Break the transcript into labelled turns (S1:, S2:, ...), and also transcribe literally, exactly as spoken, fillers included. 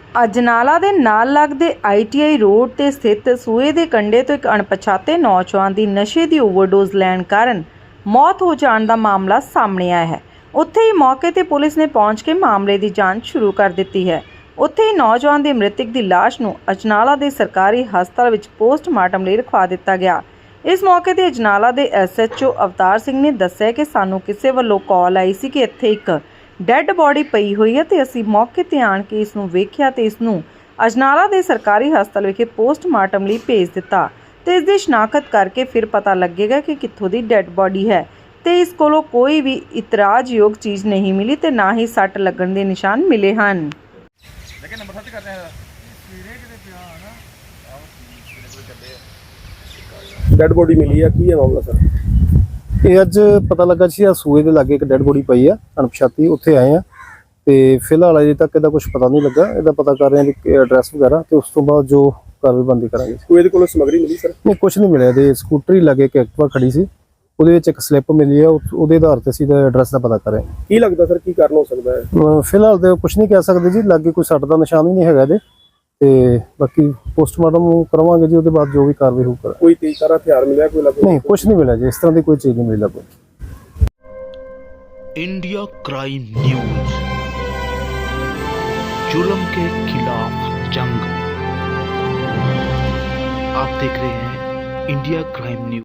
S1: ਅਜਨਾਲਾ ਦੇ ਨਾਲ ਲੱਗਦੇ ਆਈ ਟੀ ਆਈ ਰੋਡ ਤੇ ਸਥਿਤ ਸੂਏ ਦੇ ਕੰਢੇ ਤੋਂ ਇੱਕ ਅਣਪਛਾਤੇ ਨੌਜਵਾਨ ਦੀ ਨਸ਼ੇ ਦੀ ਓਵਰਡੋਜ਼ ਲੈਣ ਕਾਰਨ ਮੌਤ ਹੋ ਜਾਣ ਦਾ ਮਾਮਲਾ ਸਾਹਮਣੇ ਆਇਆ ਹੈ। ਉੱਥੇ ਹੀ ਮੌਕੇ ਤੇ ਪੁਲਿਸ ਨੇ ਪਹੁੰਚ ਕੇ ਮਾਮਲੇ ਦੀ ਜਾਂਚ ਸ਼ੁਰੂ ਕਰ ਦਿੱਤੀ ਹੈ। ਉੱਥੇ ਹੀ ਨੌਜਵਾਨ ਦੇ ਮ੍ਰਿਤਕ ਦੀ ਲਾਸ਼ ਨੂੰ ਅਜਨਾਲਾ ਦੇ ਸਰਕਾਰੀ ਹਸਪਤਾਲ ਵਿੱਚ ਪੋਸਟਮਾਰਟਮ ਲਈ ਰਖਵਾ ਦਿੱਤਾ ਗਿਆ। ਇਸ ਮੌਕੇ ਤੇ ਅਜਨਾਲਾ ਦੇ S H O Avtar Singh ਨੇ ਦੱਸਿਆ ਕਿ ਸਾਨੂੰ ਕਿਸੇ ਵੱਲੋਂ ਕਾਲ ਆਈ ਸੀ ਕਿ ਇੱਥੇ ਇੱਕ ਡੈੱਡ ਬੋਡੀ ਪਈ ਹੋਈ ਹੈ ਤੇ ਅਸੀਂ ਮੌਕੇ ਤੇ ਆਣ ਕੇ ਇਸ ਨੂੰ ਵੇਖਿਆ ਤੇ ਇਸ ਨੂੰ ਅਜਨਾਲਾ ਦੇ ਸਰਕਾਰੀ ਹਸਪਤਾਲ ਵਿਖੇ ਪੋਸਟਮਾਰਟਮ ਲਈ ਭੇਜ ਦਿੱਤਾ ਤੇ ਇਸ ਦੀ ਸ਼ਨਾਖਤ ਕਰਕੇ ਫਿਰ ਪਤਾ ਲੱਗੇਗਾ ਕਿ ਕਿੱਥੋਂ ਦੀ ਡੈੱਡ ਬੋਡੀ ਹੈ ਤੇ ਇਸ ਕੋਲੋਂ ਕੋਈ ਵੀ ਇਤਰਾਜ਼ਯੋਗ ਚੀਜ਼ ਨਹੀਂ ਮਿਲੀ ਤੇ ਨਾ ਹੀ ਸੱਟ ਲੱਗਣ ਦੇ ਨਿਸ਼ਾਨ ਮਿਲੇ ਹਨ।
S2: लेकिन नंबर सच करते हैं
S3: ਡੈਡ ਬੋਡੀ ਮਿਲੀ ਆ। ਕੀ ਹੈ ਮਾਮਲਾ ਸਰ?
S4: ਇਹ ਅੱਜ ਪਤਾ ਲੱਗਾ ਸੀ ਆ ਸੂਏ ਦੇ ਲਾਗੇ ਇੱਕ ਡੈਡ ਬੋਡੀ ਪਈ ਆ ਅਣਪਛਾਤੀ। ਉੱਥੇ ਆਏ ਆ ਤੇ ਫਿਲਹਾਲ ਅਜੇ ਤੱਕ ਇਹਦਾ ਕੁਝ ਪਤਾ ਨਹੀਂ ਲੱਗਾ। ਇਹਦਾ ਪਤਾ ਕਰ ਰਹੇ ਹਾਂ ਕਿ ਐਡਰੈਸ ਵਗੈਰਾ ਤੇ ਉਸ ਤੋਂ ਬਾਅਦ ਜੋ ਕਾਰਵਾਈ ਬੰਦੀ ਕਰਾਂਗੇ।
S3: ਕੋਈ ਇਹਦੇ ਕੋਲੋਂ ਸਮੱਗਰੀ ਮਿਲੀ ਸਰ?
S4: ਨਹੀਂ, ਕੁਝ ਨਹੀਂ ਮਿਲਿਆ। ਇਹਦੇ ਸਕੂਟਰੀ ਲਾਗੇ ਇੱਕ ਐਕਟਿਵਾ ਖੜੀ ਸੀ, ਉਹਦੇ ਵਿੱਚ ਇੱਕ ਸਲਿੱਪ ਮਿਲੀ ਆ। ਉਹਦੇ ਆਧਾਰ ਤੇ ਅਸੀਂ ਇਹਦਾ ਐਡਰੈਸ ਦਾ ਪਤਾ ਕਰ ਰਹੇ ਹਾਂ।
S3: ਕੀ ਲੱਗਦਾ ਸਰ ਕੀ ਕਾਰਨ ਹੋ ਸਕਦਾ ਹੈ?
S4: ਅਹ ਫਿਲਹਾਲ ਤੇ ਕੁਝ ਨਹੀਂ ਕਹਿ ਸਕਦੇ ਜੀ। ਲਾਗੇ ਕੋਈ ਸੱਟ ਦਾ ਨਿਸ਼ਾਨ ਵੀ ਨਹੀਂ ਹੈਗਾ ਇਹਦੇ ਤੇ ਬਾਕੀ ਪੋਸਟਮਾਰਟਮ ਕਰਵਾਵਾਂਗੇ ਜੀ। ਉਹਦੇ ਬਾਅਦ ਜੋ ਵੀ ਕਾਰਵਾਈ ਹੋਊ।
S3: ਕੋਈ ਤੇਜ਼ਧਾਰ ਹਥਿਆਰ ਮਿਲਿਆ ਕੋਈ ਲੱਗੇ?
S4: ਨਹੀਂ, ਕੁਝ ਨਹੀਂ ਮਿਲਿਆ ਜੀ। ਇਸ ਤਰ੍ਹਾਂ ਦੀ ਕੋਈ ਚੀਜ਼ ਨਹੀਂ ਮਿਲੀ ਲੱਗੇ।
S5: इंडिया क्राइम न्यूज, जुल्म के खिलाफ जंग। आप देख रहे हैं इंडिया क्राइम न्यूज।